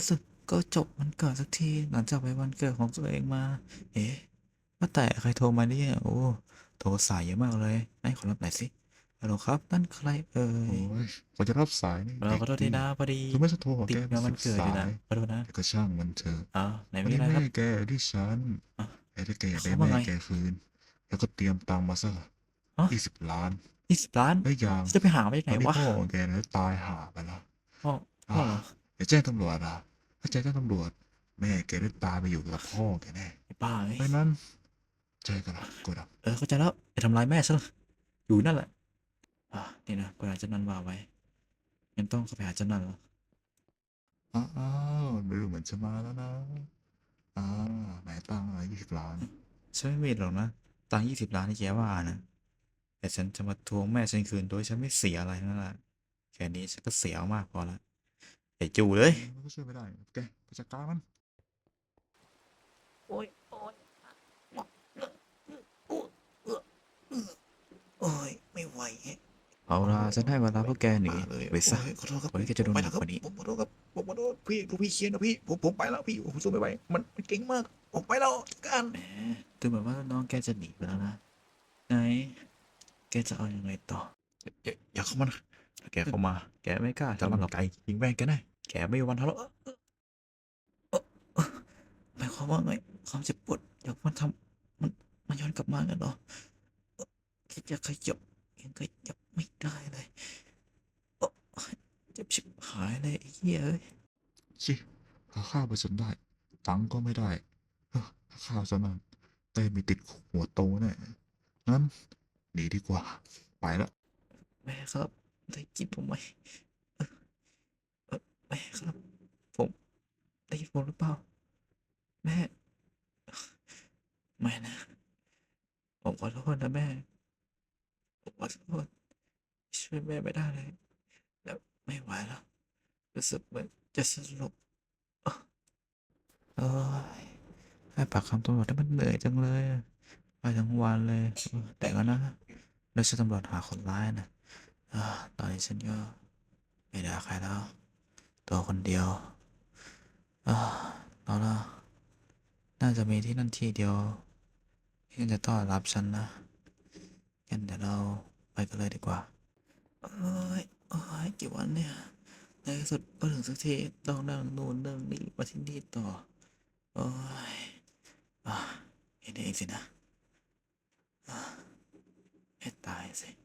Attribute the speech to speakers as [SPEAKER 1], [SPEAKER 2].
[SPEAKER 1] สุดก็จบวันเกิดสักทีหลังจากไปวันเกิดของตัวเองมาเอ๊ะว่าแต่ใครโทรมาเนี่ยโอ้โทรสายเยอะมากเลยไหนขอรับหน่อยสิฮัลโหลครับนั่นใครเอ่
[SPEAKER 2] โอ้
[SPEAKER 1] ย
[SPEAKER 2] ยกว่าจะรับสายนี่
[SPEAKER 1] เรา
[SPEAKER 2] เด็กดี
[SPEAKER 1] ขอโทษทีนะพอดี
[SPEAKER 2] ถึงแม้จะโทรหา
[SPEAKER 1] ติ
[SPEAKER 2] แกเป็นสิบ
[SPEAKER 1] ดงานวันเกิดอยู่นะ
[SPEAKER 2] สาย
[SPEAKER 1] ขอโทษนะ
[SPEAKER 2] แต่ก็ช่างมันเถอะ
[SPEAKER 1] ไหน
[SPEAKER 2] วันนี้แม่
[SPEAKER 1] มีอะไรครับ
[SPEAKER 2] แกที่ฉัน
[SPEAKER 1] อ่ะ
[SPEAKER 2] ไอ้ถ้าแกอยากได้
[SPEAKER 1] เขาว่าไง
[SPEAKER 2] แม่แกคืนแล้วก็เตรียมตังค์มาซะ
[SPEAKER 1] อ๋อ
[SPEAKER 2] 20 ล้าน
[SPEAKER 1] 20 ล้าน
[SPEAKER 2] แล้วอย่าง
[SPEAKER 1] จะไปหามาจากไหน
[SPEAKER 2] ตอนที่
[SPEAKER 1] วะ
[SPEAKER 2] พ่อของแกนั้นตายห่าไปแล้ว
[SPEAKER 1] พ่อพ่
[SPEAKER 2] อ่า
[SPEAKER 1] อเหรอ
[SPEAKER 2] อย่าแจ้งตำรวจถ้าแจ้งตำรวจแม่แกได้ตายไปอยู่กับพ่อแกแน่
[SPEAKER 1] ไอ้บ้าเอ้ย
[SPEAKER 2] เพราะฉะนั้นเจอกันละโกดัง
[SPEAKER 1] เข้าใจแล้วอย่าทำร้ายแม่ฉันเลยอยู่นั่นแหละนี่นะกูอาจจะนันวางไว้ยังต้องเข้าไปหาเจ้านั่นเหรอ
[SPEAKER 2] อ้าวดูเหมือนจะมาแล้วนะอ่าไหนตังค์20 ล้าน
[SPEAKER 1] ฉันไม่มีหรอกนะตังค์20 ล้านที่แกว่านะ แต่ฉันจะมาทวงแม่ฉันคืนโดยฉันไม่เสียอะไรนั่นแหละแค่นี้ฉันก็เสียมากพอแล้วไอ้จูเลย
[SPEAKER 2] มันก็ช่วยไม่ได้แกไปจัดการมัน
[SPEAKER 1] โอ๊ยโอ๊ยโอ้ยไม่ไหวเอา
[SPEAKER 2] โอ้
[SPEAKER 1] ล่ะฉันให้เวลา
[SPEAKER 2] ไม่
[SPEAKER 1] พวกแกหนี
[SPEAKER 2] มาเลย
[SPEAKER 1] ไปซะ
[SPEAKER 2] โอ้ยขอโทษครับ
[SPEAKER 1] ก่อนที่แกจะโด
[SPEAKER 2] ไปแล้วครับ
[SPEAKER 1] นหนักกว่านี้
[SPEAKER 2] ผมขอโทษครับผมขอโทษพี่ลูกพี่เคียนนะพี่ผมไปแล้วพี่ผมสู้ไม่ไหวมันเก่งมากผมไปแล้วกัน
[SPEAKER 1] แหมดูเหมือนว่าน้องแกจะหนีไปแล้วนะไหนแกจะเอายังไงต่ออย่าเข้ามานะถ้าแกเข้ามาแกไม่กล้าทำหรอกไก่ยิงแม่งแกแน่แกไม่มีวันทะเลาะหมายความว่าไงความเจ็บปวดอยากมันทำมันย้อนกลับมากันเหรอ แค่จะขยับยังขยับไม่ได้เลยโอ๊ยเจ็บชิบหายเลยไอ้เหี้ยเอ้ย
[SPEAKER 2] ชิหาข้าวไปจนได้ตังค์ก็ไม่ได้เฮ้อหาข้าวซะนั่นได้มีติดหัวโตแน่งั้นหนีดีกว่าไปแล้ว
[SPEAKER 1] แม่ครับได้ยินผมไหมเออแม่ครับผมได้ยินผมหรือเปล่าแม่ไม่นะผมขอโทษนะแม่ผมขอโทษช่วยแม่ไม่ได้เลยแล้วไม่ไหวแล้วรู้สึกเหมือนจะสลบเอ้ยให้ปากคำตำรวจได้มันเหนื่อยจังเลยอะไปทั้งวันเลยแต่ก็นะเราจะตำรวจหาคนร้ายนะตอนนี้ฉันก็ไม่ด่าใครแล้วตัวคนเดียวอ่าเอาละน่าจะมีที่นั่นที่เดียวที่จะต้อนรับฉันนะงั้นเดี๋ยวเราไปกันเลยดีกว่าเอ้ยโอ้ยกี่วันเนี่ยในที่สุดก็ถึงสักทีต้องนั่งนู่นนั่งนี่มาที่นี่ต่อโอ้ยอ่าเห็นเองสินะให้ตายสิ